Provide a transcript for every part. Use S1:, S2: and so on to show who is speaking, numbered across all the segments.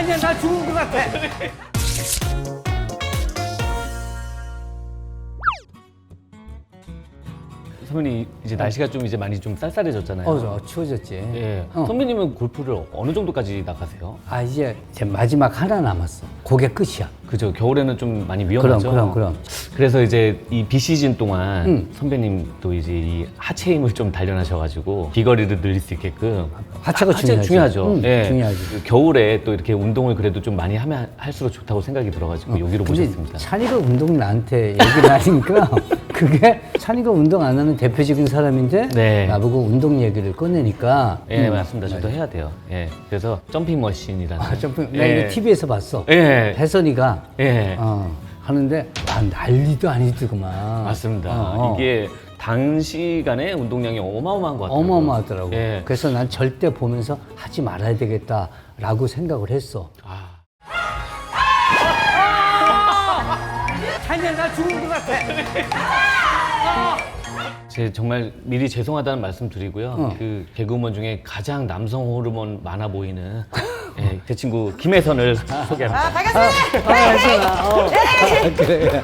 S1: 아니야, 나 죽은 것 같아.
S2: 선배님 이제 날씨가 좀 이제 많이 좀 쌀쌀해졌잖아요.
S1: 추워졌지.
S2: 예. 선배님은 골프를 어느 정도까지 나가세요?
S1: 아, 이제 마지막 하나 남았어. 그게 끝이야.
S2: 그죠. 겨울에는 좀 많이 위험하죠.
S1: 그럼.
S2: 그래서 이제 이 비시즌 동안 선배님 또 이제 이 하체 힘을 좀 단련하셔가지고 비거리를 늘릴 수 있게끔
S1: 하체가 중요하지.
S2: 중요하죠. 예.
S1: 중요하지.
S2: 그 겨울에 또 이렇게 운동을 그래도 좀 많이 하면 할수록 좋다고 생각이 들어가지고 여기로
S1: 근데
S2: 모셨습니다.
S1: 찬이가 운동 나한테 얘기를 하니까 그게 찬이가 운동 안 하는 대표적인 사람인데
S2: 네.
S1: 나보고 운동 얘기를 꺼내니까
S2: 예, 맞습니다. 저도 해야 돼요. 예. 그래서 점핑 머신이라는.
S1: 점프. 나
S2: 예.
S1: 이거 TV에서 봤어.
S2: 예.
S1: 혜선이가
S2: 예.
S1: 하는데 난리도 아니더구만.
S2: 맞습니다. 이게 단시간에 운동량이 어마어마한 것 같아요.
S1: 어마어마하더라고.
S2: 예.
S1: 그래서 난 절대 보면서 하지 말아야 되겠다라고 생각을 했어. 찬이야, 나 죽은 것 같아.
S2: 제 정말 미리 죄송하다는 말씀 드리고요. 그 개그우먼 중에 가장 남성 호르몬 많아 보이는 예, 제 친구 김혜선을 소개합니다.
S1: 그래.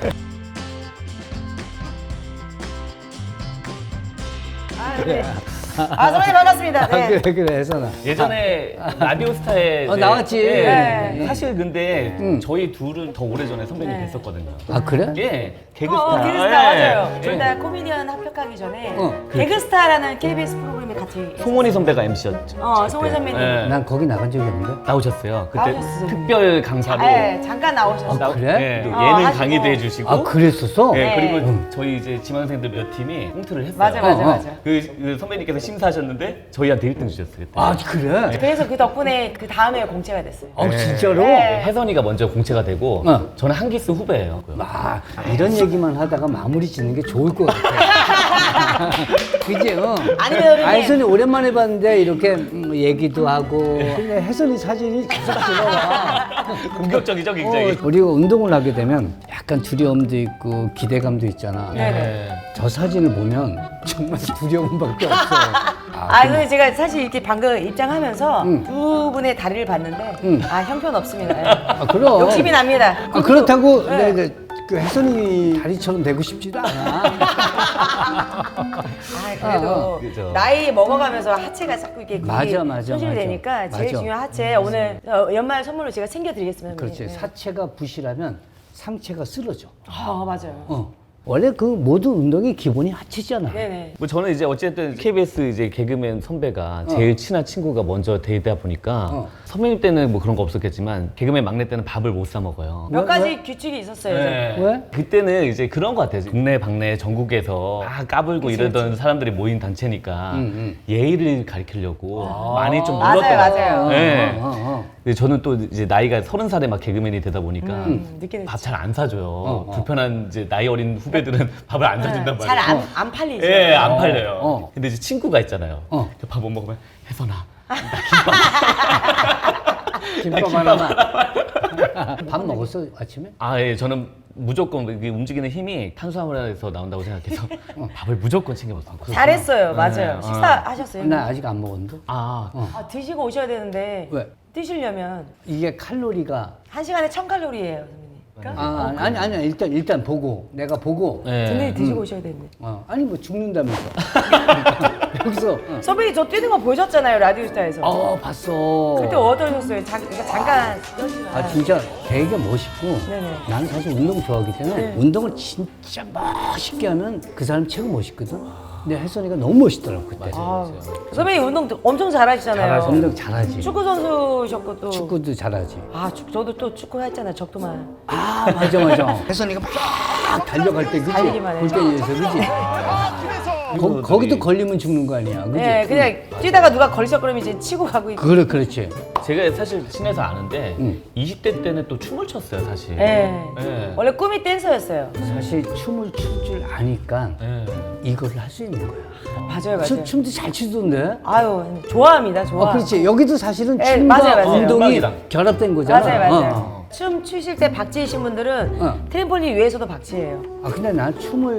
S3: 선배님 반갑습니다. 네.
S1: 그래, 혜선아.
S2: 예전에 라디오스타에 이제,
S1: 나왔지.
S2: 예, 사실 근데 저희 둘은 더 오래전에 선배님 뵀었거든요.
S1: 아, 그래?
S2: 예, 개그스타.
S3: 개그스타
S2: 예.
S3: 맞아요.
S2: 예.
S3: 둘 다 코미디언 합격하기 전에 개그스타라는 KBS 프로그램에 같이
S2: 송원희 선배가 MC였죠.
S3: 송원희 선배님.
S2: 예.
S1: 난 거기 나간 적이 없는데.
S2: 나오셨어요. 그때
S3: 나오셨어요.
S2: 특별 강사로
S3: 네, 잠깐 나오셨어요.
S1: 그래?
S2: 예, 또 예능
S3: 하시고.
S2: 강의도 해주시고.
S1: 아, 그랬었어?
S2: 예,
S3: 네.
S2: 그리고 저희 이제 지망생들 몇 팀이 홍트를 했어요.
S3: 맞아.
S2: 그 선배님께서 심사하셨는데 저희한테 1등 주셨어요. 그때.
S1: 아, 그래?
S3: 그래서 그 덕분에 그 다음에 공채가 됐어요.
S1: 진짜로?
S3: 네.
S2: 혜선이가 먼저 공채가 되고 저는 한기수 후배예요.
S1: 아, 이런 얘기만 하다가 마무리 짓는 게 좋을 것 같아. 그지?
S3: 아니면
S1: 혜선이 오랜만에 봤는데 이렇게 얘기도 하고. 근데 혜선이 사진이 계속 들어와.
S2: 공격적이죠, 굉장히.
S1: 우리가 운동을 하게 되면 약간 두려움도 있고 기대감도 있잖아.
S3: 네네.
S1: 저 사진을 보면 정말 두려움밖에 없어.
S3: 근데 제가 사실 이렇게 방금 입장하면서 두 분의 다리를 봤는데 형편없습니다.
S1: 그럼.
S3: 욕심이 납니다.
S1: 그렇다고 내가 그 혜선이 다리처럼 되고 싶지도 않아.
S3: 그래도
S2: 그죠.
S3: 나이 먹어가면서 하체가 자꾸 이렇게
S1: 맞아.
S3: 소실이 되니까 제일
S1: 맞아.
S3: 중요한 하체 오늘 연말 선물로 제가 챙겨드리겠습니다.
S1: 그렇지.
S3: 선배님.
S1: 사체가 부실하면 상체가 쓰러져.
S3: 맞아요.
S1: 원래 그 모든 운동의 기본이 하체잖아.
S3: 네네.
S2: 뭐 저는 이제 어쨌든 KBS 이제 개그맨 선배가 제일 친한 친구가 먼저 되다 보니까 선배님 때는 뭐 그런 거 없었겠지만 개그맨 막내 때는 밥을 못 사 먹어요.
S3: 몇 가지 규칙이 있었어요.
S2: 네.
S1: 왜?
S2: 그때는 이제 그런 것 같아요. 국내, 박내, 전국에서 다 까불고 이러던 사람들이 모인 단체니까 예의를 가리키려고 많이 좀
S3: 맞아요,
S2: 눌렀더라고요.
S3: 맞아요.
S2: 네. 근데 저는 또 이제 나이가 30살에 막 개그맨이 되다 보니까
S3: 느끼는
S2: 밥 잘 안 사줘요. 불편한 이제 나이 어린 후배들은 밥을 안 사준단 말이에요.
S3: 잘 안 팔리죠.
S2: 예, 안 팔려요. 근데 이제 친구가 있잖아요. 밥 못 먹으면 혜선아,
S1: 김밥 하나만. 밥 먹었어 아침에?
S2: 예, 저는 무조건 이게 움직이는 힘이 탄수화물에서 나온다고 생각해서 밥을 무조건 챙겨 먹었어요.
S3: 잘했어요. 맞아요. 식사하셨어요?
S1: 나 아직 안 먹었는데.
S3: 드시고 오셔야 되는데
S1: 왜?
S3: 드시려면
S1: 이게 칼로리가
S3: 1시간에 1000칼로리예요, 선배님. 그러니까
S1: 아니 일단 보고 내가 보고
S3: 든든히 드시고 오셔야 되는데.
S1: 아니 뭐 죽는다면서 여기서
S3: 선배님 저 뛰는 거 보셨잖아요, 라디오스타에서.
S1: 봤어.
S3: 그때 어떠셨어요? 잠깐
S1: 진짜 되게 멋있고
S3: 네네.
S1: 나는 사실 운동 좋아하기 때문에 운동을 진짜 멋있게 하면 그 사람 최고 멋있거든. 근데 혜선이가 너무 멋있더라고 그때.
S3: 선배님 운동 엄청 잘하시잖아요.
S1: 운동 잘하지.
S3: 축구 선수셨고 또.
S1: 축구도 잘하지.
S3: 저도 또 축구 했잖아요, 적도만.
S1: 맞아. 혜선이가 막 달려갈 때 그지?
S3: 달리기만 해요.
S1: 골대에서 그지? 거기도 걸리면 죽는 거 아니야, 그지?
S3: 네, 그냥 뛰다가 누가 걸리적거리면 이제 치고 가고 있고.
S1: 그렇지.
S2: 제가 사실 친해서 아는데 20대 때는 또 춤을 췄어요, 사실.
S3: 네.
S2: 네.
S3: 원래 꿈이 댄서였어요.
S1: 사실 춤을 출 줄 아니까
S2: 네.
S1: 이거를 할 수 있는 거야.
S3: 맞아요.
S1: 춤도 잘 추던데?
S3: 좋아합니다, 좋아.
S1: 그렇지. 여기도 사실은
S3: 네,
S1: 춤과
S3: 맞아요.
S1: 운동이
S2: 음악이랑.
S1: 결합된 거잖아.
S3: 맞아요. 춤 추실 때 박지이신 분들은 트램폴린 위에서도 박지예요.
S1: 근데 난 춤을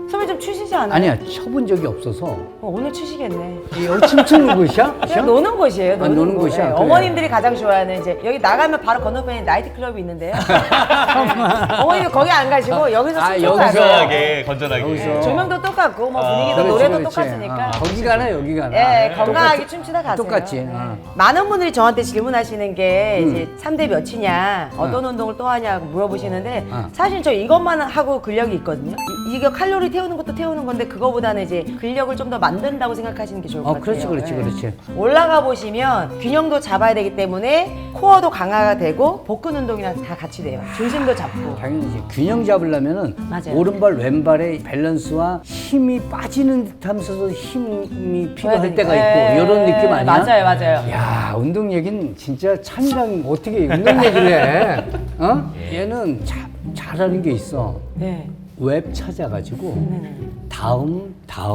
S3: 선배 좀 추시지 않아요?
S1: 아니야, 쳐본 적이 없어서.
S3: 오늘 추시겠네.
S1: 여기 춤추는 곳이야?
S3: 그냥 노는 곳이에요.
S1: 노는 곳이야?
S3: 네,
S1: 그래.
S3: 어머님들이 가장 좋아하는 이제 여기 나가면 바로 건너편에 나이트 클럽이 있는데요. 어머님들 거기 안 가시고 여기서 춤추고
S1: 여기서
S3: 가세요.
S2: 건전하게 건전하게.
S1: 여기서.
S3: 조명도 똑같고 뭐 분위기도
S1: 그렇지,
S3: 노래도
S1: 그렇지.
S3: 똑같으니까.
S1: 거기 가나 여기 가나.
S3: 예, 건강하게 춤추다 가세요.
S1: 똑같지.
S3: 네.
S1: 어.
S3: 많은 분들이 저한테 질문하시는 게 이제 3대 몇이냐, 어떤 운동을 또 하냐고 물어보시는데 사실 저 이것만 하고 근력이 있거든요. 이게 칼로리 태우는 것도 태우는 건데 그거보다는 이제 근력을 좀 더 만든다고 생각하시는 게 좋을 것 같아요.
S1: 그렇지.
S3: 예. 올라가 보시면 균형도 잡아야 되기 때문에 코어도 강화가 되고 복근 운동이랑 다 같이 돼요. 중심도 잡고.
S1: 당연히 균형 잡으려면은
S3: 맞아요.
S1: 오른발 왼발의 밸런스와 힘이 빠지는 듯하면서도 힘이 필요할 때가 있고 이런 느낌 아니야?
S3: 맞아요.
S1: 야, 운동 얘기는 진짜 찬이랑 어떻게 운동 얘기를 해? 어? 얘는 잘하는 게 있어.
S3: 네.
S1: 웹 찾아가지고
S3: 네네.
S1: 다음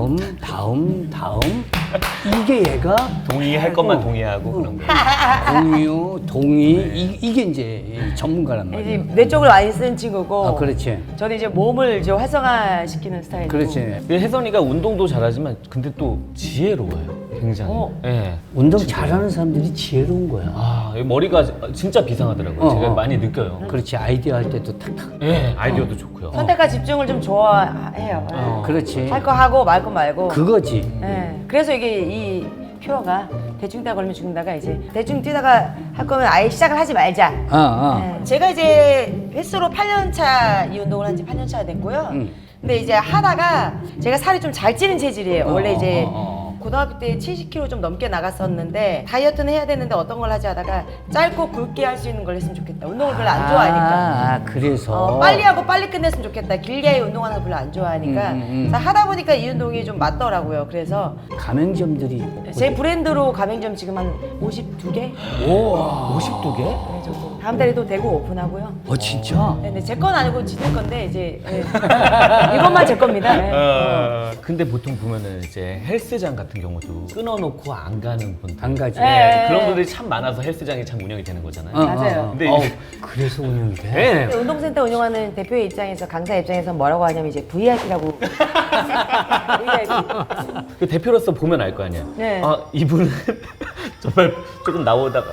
S1: 이게 얘가
S2: 동의할 것만 동의하고 그런 거.
S1: 공유, 동의 이게 이제 전문가란
S3: 이제
S1: 말이야.
S3: 뇌 쪽을 많이 쓰는 친구고.
S1: 그렇지.
S3: 저는 이제 몸을 이제 활성화시키는 스타일이고.
S1: 그렇지.
S2: 근데 혜선이가 운동도 잘하지만 근데 또 지혜로워요. 굉장히. 예.
S1: 운동 잘하는 사람들이 지혜로운 거야.
S2: 아, 이 머리가 진짜 비상하더라고요. 제가 많이 느껴요.
S1: 그렇지. 아이디어 할 때도 탁탁.
S2: 예, 아이디어도 좋고요.
S3: 선택과 집중을 좀 좋아해요. 예.
S1: 그렇지.
S3: 할 거 하고 말 거 말고.
S1: 그거지.
S3: 예. 그래서 이게 이 표어가 대충 뛰다 걸리면 죽는다가 이제 대충 뛰다가 할 거면 아예 시작을 하지 말자. 예. 제가 이제 횟수로 8년 차 이 운동을 한 지 8년 차가 됐고요. 근데 이제 하다가 제가 살이 좀 잘 찌는 체질이에요. 원래 이제 고등학교 때 70kg 좀 넘게 나갔었는데 다이어트는 해야 되는데 어떤 걸 하지 하다가 짧고 굵게 할 수 있는 걸 했으면 좋겠다. 운동을 별로 안 좋아하니까.
S1: 그래서.
S3: 빨리 하고 빨리 끝냈으면 좋겠다. 길게 운동하는 거 별로 안 좋아하니까. 그래서 하다 보니까 이 운동이 좀 맞더라고요. 그래서
S1: 가맹점들이.
S3: 제 브랜드로 가맹점 지금 한 52개?
S2: 52개?
S3: 네, 정도. 다음 달에 또 대구 오픈하고요.
S1: 진짜?
S3: 네, 제 건 아니고 지들 건데 이제 네. 이것만 제 겁니다. 네.
S2: 근데 보통 보면은 이제 헬스장 같은 경우도 끊어놓고 안 가는 분들.
S1: 안 가지.
S3: 네.
S2: 그런 분들이 참 많아서 헬스장이 참 운영이 되는 거잖아요.
S3: 맞아요.
S2: 근데
S1: 그래서 운영이 돼?
S2: 네.
S3: 근데 운동센터 운영하는 대표의 입장에서 강사 입장에서 뭐라고 하냐면 이제 VIP라고 VIP.
S2: 그 대표로서 보면 알 거 아니야.
S3: 네.
S2: 아, 이분은 정말 조금 나오다가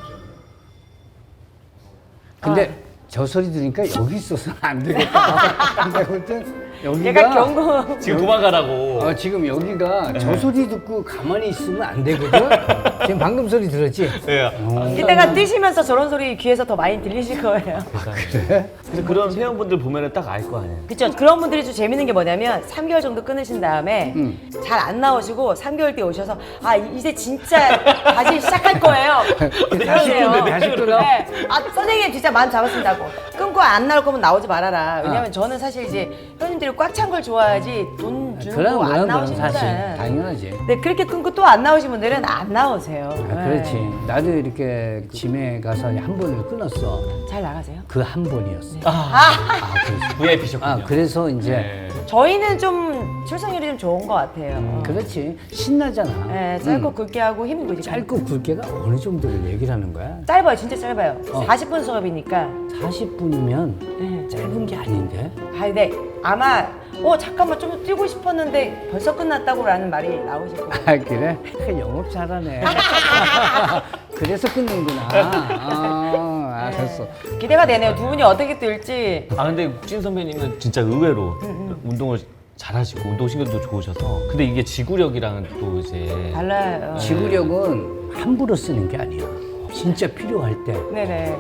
S1: 근데 저 소리 들으니까 여기 있어서는 안 되겠다. 근데 아무튼 여기가.
S3: 얘가 경고.
S2: 지금 도망가라고.
S1: 지금 여기가 저 소리 듣고 가만히 있으면 안 되거든? 지금 방금 소리 들었지?
S2: 네.
S3: 이따가 뛰시면서 저런 소리 귀에서 더 많이 들리실 거예요.
S1: 그래?
S2: 그래서 그런 회원분들 보면은 딱 알 거 아니에요.
S3: 그쵸. 그런 분들이 좀 재밌는 게 뭐냐면 3개월 정도 끊으신 다음에 잘 안 나오시고 3개월 뒤에 오셔서 아 이제 진짜 다시 시작할 거예요. 그러세요.
S1: 다시 끊어?
S3: 네. 아 선생님 진짜 마음 잡았습니다고. 끊고 안 나올 거면 나오지 말아라. 왜냐면 저는 사실 이제 회원님들이 꽉 찬 걸 좋아하지 돈 주는
S1: 그런
S3: 거 안
S1: 그런
S3: 나오신
S1: 사실.
S3: 분들은
S1: 당연하지.
S3: 네, 그렇게 끊고 또 안 나오신 분들은 안 나오세요.
S1: 그렇지.
S3: 네.
S1: 나도 이렇게 짐에 가서 한 번을 끊었어.
S3: 잘 나가세요?
S1: 그 한 번이었어. 그래서.
S2: VIP셨군요.
S1: 그래서 이제.
S2: 네.
S3: 저희는 좀 출산율이 좀 좋은 것 같아요.
S1: 그렇지. 신나잖아.
S3: 네, 짧고 굵게 하고 힘들고
S1: 짧고 굵게가 어느 정도를 얘기를 하는 거야?
S3: 짧아요, 진짜 짧아요. 40분 수업이니까.
S1: 40분이면
S3: 네.
S1: 짧은 게 아닌데?
S3: 아, 근데 아마 잠깐만 좀 뛰고 싶었는데 벌써 끝났다고라는 말이 나오실 거예요.
S1: 그래? 영업 잘하네. 그래서 끊는구나. 알았어.
S3: 기대가 되네요. 두 분이 어떻게 뛸지.
S2: 아 근데 찐 선배님은 진짜 의외로 운동을 잘하시고 운동신경도 좋으셔서 근데 이게 지구력이랑은 또 이제
S3: 달라요.
S1: 지구력은 함부로 쓰는 게 아니야. 진짜 필요할 때
S3: 네네.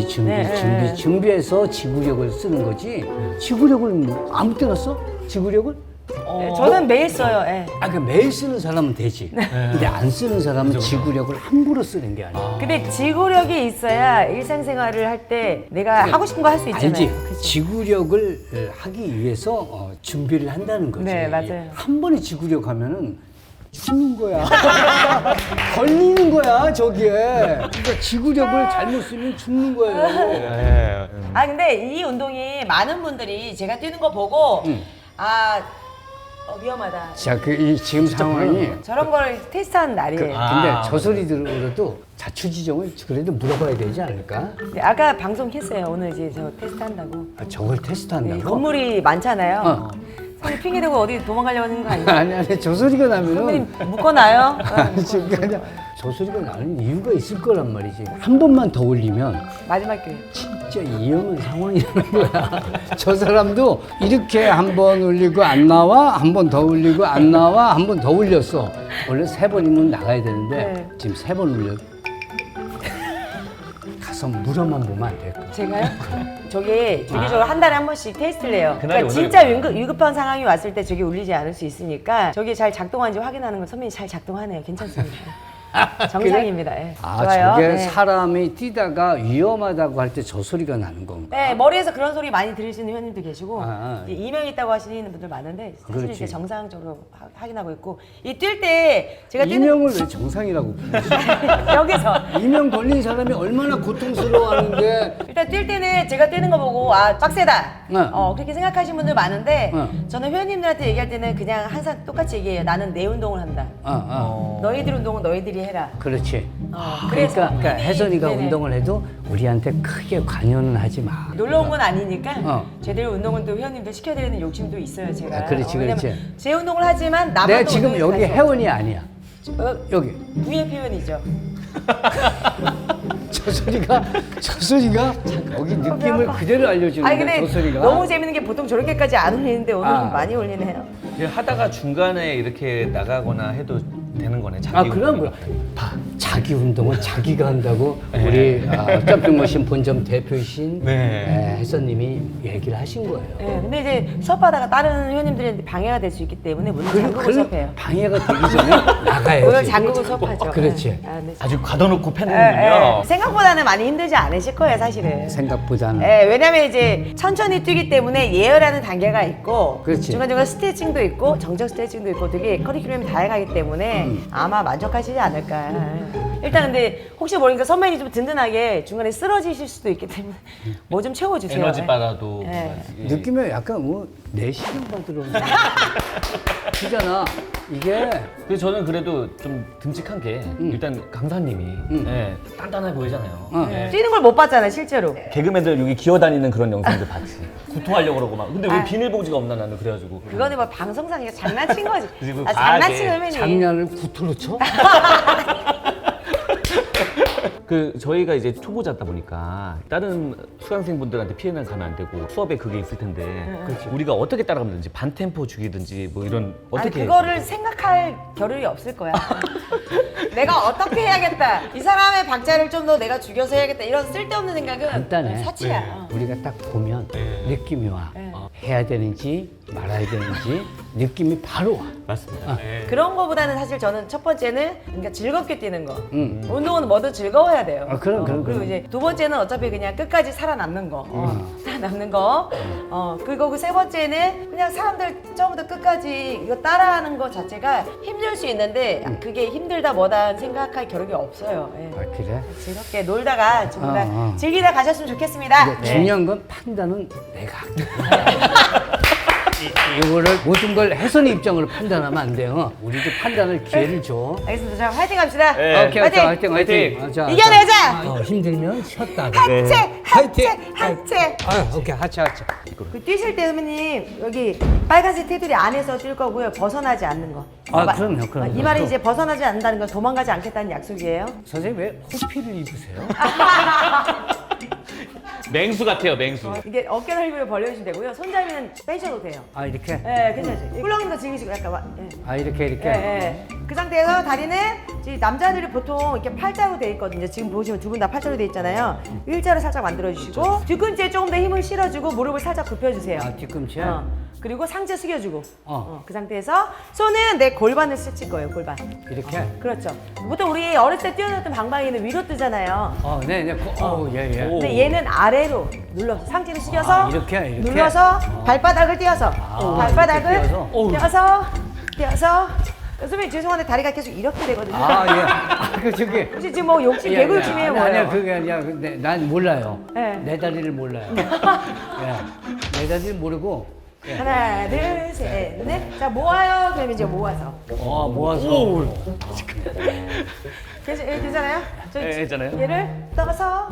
S1: 준비해서 지구력을 쓰는 거지. 지구력을 뭐 아무 때나 써? 지구력을?
S3: 네, 저는 매일 써요. 예.
S1: 그 매일 쓰는 사람은 되지. 근데 안 쓰는 사람은 지구력을 함부로 쓰는 게 아니야.
S3: 근데 지구력이 있어야 일상생활을 할 때 내가 하고 싶은 거 할 수 있잖아요.
S1: 알지?
S3: 그치?
S1: 지구력을 하기 위해서 준비를 한다는 거지.
S3: 네, 맞아요.
S1: 한 번에 지구력 하면은 죽는 거야. 걸리는 거야, 저기에. 그러니까 지구력을 잘못 쓰면 죽는 거예요.
S3: 아 근데 이 운동이 많은 분들이 제가 뛰는 거 보고 위험하다.
S1: 자, 지금 상황이.
S3: 저런 걸 테스트하는 날이에요.
S1: 근데 저 소리 들어도 자초지종을 그래도 물어봐야 되지 않을까?
S3: 네, 아까 방송했어요. 오늘 이제 저 테스트 한다고.
S1: 저걸 테스트한다고?
S3: 건물이 많잖아요. 손이 핑계 대고 어디 도망가려고 하는 거 아니에요?
S1: 아니 저 소리가 나면은
S3: 선배님 묶어놔요.
S1: 지금 아니야. 저 소리가 나는 이유가 있을 거란 말이지. 한 번만 더 올리면
S3: 마지막 기회.
S1: 진짜 위험한 상황이라는 거야. 저 사람도 이렇게 한 번 올리고 안 나와, 한 번 더 올리고 안 나와, 한 번 더 올렸어. 원래 3번이면 나가야 되는데
S3: 네.
S1: 지금 3번 올려. 가서 물어만 보면 안 될까?
S3: 제가요? 저게 주기적으로 한 달에 한 번씩 테스트를 해요.
S2: 그날이
S3: 그러니까 진짜 위급한 상황이 왔을 때 저게 울리지 않을 수 있으니까 저게 잘 작동하는지 확인하는 건 선배님 잘 작동하네요. 괜찮습니다. 정상입니다. 예.
S1: 아,
S3: 좋아요.
S1: 저게
S3: 네.
S1: 사람이 뛰다가 위험하다고 할 때 저 소리가 나는 건가?
S3: 네, 머리에서 그런 소리 많이 들으시는 회원님도 계시고
S1: 아.
S3: 이제 이명 있다고 하시는 분들 많은데 사실
S1: 그렇지.
S3: 이제 정상적으로 확인하고 있고 이 뛸 때 제가 뛰는
S1: 이명을 왜 정상이라고 부르지?
S3: 여기서
S1: 이명 걸린 사람이 얼마나 고통스러워하는데
S3: 일단 뛸 때는 제가 뛰는 거 보고 아 빡세다
S1: 네.
S3: 그렇게 생각하시는 분들 많은데
S1: 네.
S3: 저는 회원님들한테 얘기할 때는 그냥 항상 똑같이 얘기해요. 나는 내 운동을 한다. 너희들 운동은 너희들이 해라.
S1: 그렇지.
S3: 그래서
S1: 그러니까 혜선이가
S3: 네네.
S1: 운동을 해도 우리한테 크게 관여는 하지 마.
S3: 놀러 온 건 아니니까
S1: 어.
S3: 제대로 운동은 또 회원님들 시켜드리는 욕심도 있어요 제가.
S1: 아, 그렇지,
S3: 왜냐면
S1: 그렇지.
S3: 제 운동을 하지만 나만
S1: 내가
S3: 또
S1: 지금
S3: 운동을
S1: 여기
S3: 해야죠.
S1: 회원이 아니야. 여기.
S3: VIP 회원이죠.
S1: 저 소리가 여기 느낌을 그대로
S3: 아니
S1: 알려주는데
S3: 근데
S1: 저 소리가.
S3: 너무 재밌는 게 보통 저렇게까지 안 울리는데 오늘
S1: 아.
S3: 좀 많이 울리네요.
S2: 하다가 중간에 이렇게 나가거나 해도 되는 거네. 자기
S1: 그럼
S2: 운동이.
S1: 봐. 자기 운동은 자기가 한다고
S2: 네.
S1: 우리 점핑머신 본점 대표이신
S2: 네.
S1: 혜선님이 얘기를 하신 거예요.
S3: 네, 근데 이제 수업하다가 다른 회원님들한테 방해가 될 수 있기 때문에 문을 잠그고 수업해요.
S1: 방해가 되기 전에 나가야지.
S3: 문을 잠그고 수업하죠.
S1: 그렇지.
S3: 네. 아, 네.
S2: 아주 가둬놓고
S3: 예,
S2: 패는군요.
S3: 예. 생각보다는 많이 힘들지 않으실 거예요, 사실은.
S1: 생각보다는.
S3: 예, 왜냐면 이제 천천히 뛰기 때문에 예열하는 단계가 있고
S1: 그렇지.
S3: 중간중간 스트레칭도 있고 정적 스트레칭도 있고 되게 커리큘럼이 다양하기 때문에 아마 만족하시지 않을까. 일단 근데 혹시 모르니까 선배님이 좀 든든하게 중간에 쓰러지실 수도 있기 때문에 뭐 좀 채워주세요.
S2: 에너지
S3: 예.
S2: 바라도.
S3: 네.
S1: 느낌이 약간 뭐 내시경 받으러 온 그잖아. 이게
S2: 근데 저는 그래도 좀 듬직한 게 일단 강사님이 예, 단단해 보이잖아요. 예.
S3: 뛰는 걸 못 봤잖아요, 실제로.
S2: 개그맨들 여기 기어다니는 그런 영상들 봤지. 구토하려고 그러고 막. 근데 왜
S3: 아.
S2: 비닐봉지가 없나 나는 그래가지고.
S3: 그거는 뭐 방송상에서 장난친 거지.
S2: 그리고
S3: 아,
S2: 과하게
S3: 장난친 선배님.
S1: 장난을 구토로 쳐?
S2: 그 저희가 이제 초보자다 보니까 다른 수강생분들한테 피해는 가면 안 되고 수업에 그게 있을 텐데 우리가 어떻게 따라가면 되는지 반템포 죽이든지 뭐 이런
S3: 아니
S2: 어떻게
S3: 그거를 생각할 겨를이 없을 거야. 내가 어떻게 해야겠다. 이 사람의 박자를 좀 더 내가 죽여서 해야겠다. 이런 쓸데없는 생각은
S1: 간단해.
S3: 사치야.
S2: 네.
S1: 우리가 딱 보면 느낌이 와.
S3: 네.
S1: 해야 되는지 말아야 되는지 느낌이 바로 와.
S2: 맞습니다.
S3: 그런 거보다는 사실 저는 첫 번째는 그러니까 즐겁게 뛰는 거. 운동은 뭐든 즐거워야 돼요.
S1: 그럼.
S3: 그리고 이제 두 번째는 어차피 그냥 끝까지 살아남는 거. 살아남는 거. 그리고 그 세 번째는 그냥 사람들 처음부터 끝까지 이거 따라하는 거 자체가 힘들 수 있는데 그게 힘들다 뭐다 생각할 겨를이 없어요. 예.
S1: 아, 그래?
S3: 즐겁게 놀다가 좀 다
S1: 어.
S3: 즐기다 가셨으면 좋겠습니다.
S1: 근데 중요한 건 판단은 내가 할게. 이거를 모든 걸 혜선이 입장으로 판단하면 안 돼요. 우리도 판단을 기회를 줘.
S3: 알겠습니다. 자, 화이팅 합시다.
S2: 네.
S1: 오케이,
S3: 화이팅!
S1: 화이팅, 화이팅. 아, 자,
S3: 이겨내자!
S1: 자. 힘들면 쉬었다가.
S3: 하체!
S1: 화이팅!
S3: 하체!
S1: 아, 오케이, 하체.
S3: 그 뛰실 때 선배님 여기 빨간색 테두리 안에서 뛸 거고요. 벗어나지 않는 거.
S1: 아,
S3: 마-
S1: 그럼요.
S3: 이 말은 이제 벗어나지 않는다는 건 도망가지 않겠다는 약속이에요.
S1: 선생님 왜 호피를 입으세요?
S2: 맹수 같아요, 맹수.
S3: 이게 어깨 넓이를 벌려주시면 되고요. 손잡이는 빼셔도 돼요.
S1: 아, 이렇게?
S3: 네, 괜찮죠. 훌렁이도 즐기시고 약간 예.
S1: 아, 이렇게.
S3: 예, 예. 그 상태에서 다리는 지금 남자들이 보통 이렇게 팔자로 돼 있거든요. 지금 보시면 두 분 다 팔자로 돼 있잖아요. 일자로 살짝 만들어 주시고 뒤꿈치에 조금 더 힘을 실어주고 무릎을 살짝 굽혀주세요.
S1: 아, 뒤꿈치에?
S3: 그리고 상체 숙여주고
S1: 어.
S3: 그 상태에서 손은 내 골반을 스칠 거예요. 골반.
S1: 이렇게?
S3: 그렇죠. 보통 우리 어릴 때 뛰어놀던 방망이는 위로 뜨잖아요.
S1: 네. 예.
S2: 오.
S3: 근데 얘는 아래로 눌러서 상체를 숙여서
S1: 아, 이렇게?
S3: 눌러서 발바닥을 띄어서 발바닥을
S1: 이렇게
S3: 띄어서 선생님 죄송한데 다리가 계속 이렇게 되거든요.
S1: 아, 예. 아, 그 저기.
S3: 혹시 지금 뭐 욕심 개그 욕심이에요 뭐예요?
S1: 아니야, 그게 아니야. 근데 난 몰라요.
S3: 네.
S1: 내 다리를 몰라요. 예. 내 다리를 모르고
S3: 하나, 둘, 셋, 넷. 자, 모아요. 그러면 이제 모아서.
S1: 모아서.
S3: 괜찮아요?
S2: 네, 괜찮아요.
S3: 얘를 떠서,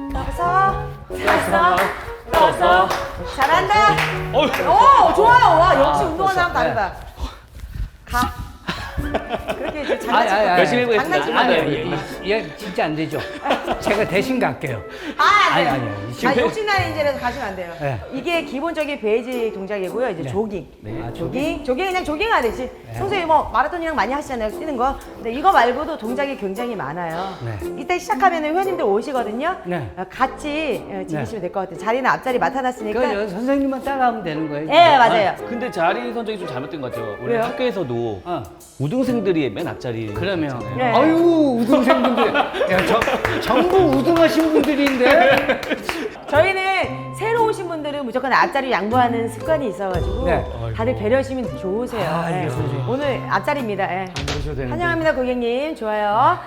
S3: 떠서. 잘한다. 오, 좋아요. 와, 역시 운동하는 사람 다르다. 가. 그렇게 이제
S2: 열심히 해보겠습니다.
S3: 장난치지
S2: 아니,
S3: 마세요.
S1: 얘 진짜 안 되죠. 제가 대신 갈게요.
S3: 아니요.
S1: 아니.
S3: 욕심나는 인재라서 가시면 안 돼요.
S1: 네.
S3: 이게 기본적인 베이직 동작이고요. 이제 조깅. 조깅 그냥 조깅하듯이. 평소에 뭐 마라톤이랑 많이 하시잖아요. 뛰는 거. 근데 이거 말고도 동작이 굉장히 많아요.
S1: 네.
S3: 이때 시작하면 회원님들 오시거든요.
S1: 네.
S3: 같이 즐기시면 될 것 같아요. 자리는 앞자리 맡아놨으니까.
S1: 그 선생님만 따라하면 되는 거예요.
S3: 네, 맞아요.
S2: 근데 자리 선정이 좀 잘못된 것 같아요. 우리
S3: 왜요?
S2: 학교에서도
S1: 어.
S2: 우등생들이 맨 앞자리.
S1: 그러면
S3: 네.
S1: 아유 우등생분들 전부 우등하신 분들인데
S3: 저희는 새로 오신 분들은 무조건 앞자리 양보하는 습관이 있어가지고
S1: 네.
S3: 다들 배려심이 좋으세요. 네. 오늘 앞자리입니다. 네. 환영합니다, 고객님. 좋아요.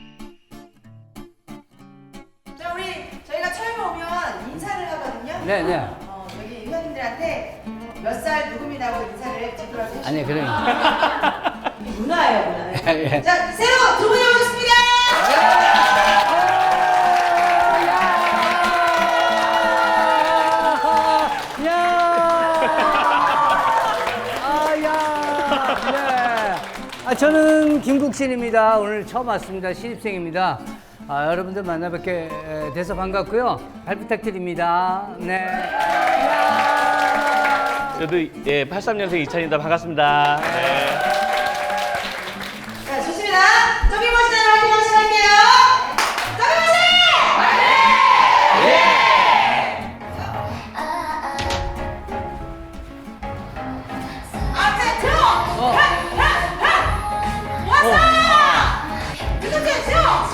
S3: 자, 우리 저희가 처음에 오면 인사를 하거든요.
S1: 네네
S3: 여기 회원님들한테 몇 살 누구입니다고 인사를 제대로 해주시면
S1: 아니 그러니까
S3: 문화예요, 문화.
S1: 예.
S3: 자, 새로 두 분이 오셨습니다.
S1: 저는 김국신입니다. 오늘 처음 왔습니다. 신입생입니다. 여러분들 만나 뵙게 돼서 반갑고요. 잘 부탁드립니다. 네.
S2: 저도 83년생 이찬입니다. 반갑습니다. 네.
S3: 자, 좋습니다. 저기 보시면 화이팅 한번 시작할게요. 저기 보세요! 앞에 들어! 왔어! 그렇지, 들어!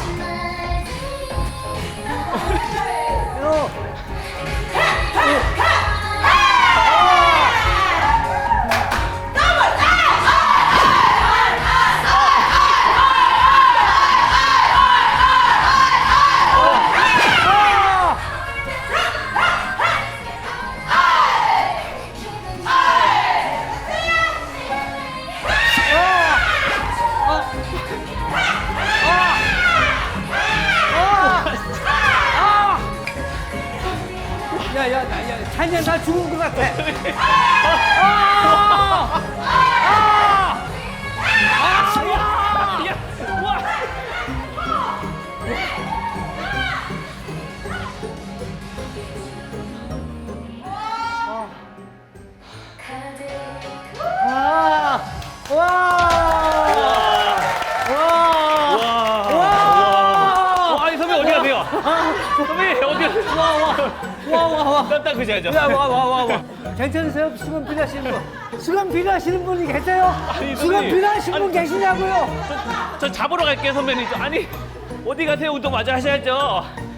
S1: 야, 찬이야, 나 죽은 것 같아.
S2: 아니 선배 어디 가세요? 선배 어디 가세요? 와. 딱 그셔야죠.
S1: 와. 괜찮으세요? 수건 필요하시는 분? 수건 필요하시는 분이 계세요?
S2: 아니,
S1: 수건
S2: 선생님.
S1: 필요하신 분
S2: 아니,
S1: 계시냐고요?
S2: 저 잡으러 갈게요 선배님. 아니 어디 가세요? 운동 마저 하셔야죠.